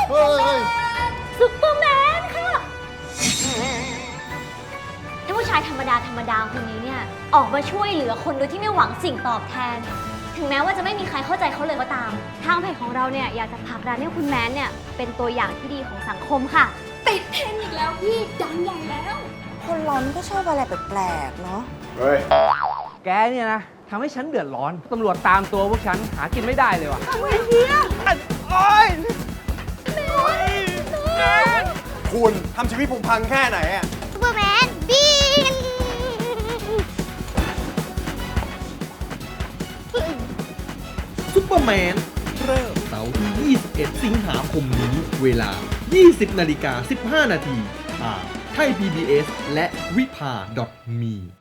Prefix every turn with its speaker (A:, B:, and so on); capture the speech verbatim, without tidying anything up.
A: เฮ้ย
B: ซุปเปอร์แมนค่ะถ้าผู้ชายธรรมดาธรรมดาคนนี้เนี่ยออกมาช่วยเหลือคนโดยที่ไม่หวังสิ่งตอบแทน ถึงแม้ว่าจะไม่มีใครเข้าใจเขาเลยก็ตามทางเพจของเราเนี่ยอยากจะผลักดันให้คุณแมนเนี่ยเป็นตัวอย่างที่ดีของสังคมค่ะ
C: ติดเทรนด์อีกแล้วพี่ดังใหญ่แล้ว
D: คนร้อนก็ชอบอะไรแปลกๆเนาะ
A: เฮ้ย
E: แกเนี่ยนะทำให้ฉันเดือดร้อน ตำรวจตามตัวพวกฉันหากินไม่ได้เลยว่ะ
A: คุณทำชีวิตผมพังแค่ไหนอะ
B: ซูเปอร์แมนบิน
F: ซุปเปอร์แมนเริ่มเสาร์ที่ ยี่สิบเอ็ด สิงหาคมนี้ เวลา ยี่สิบนาฬิกาสิบห้านาทีทางไทย พี บี เอส และวิภา .me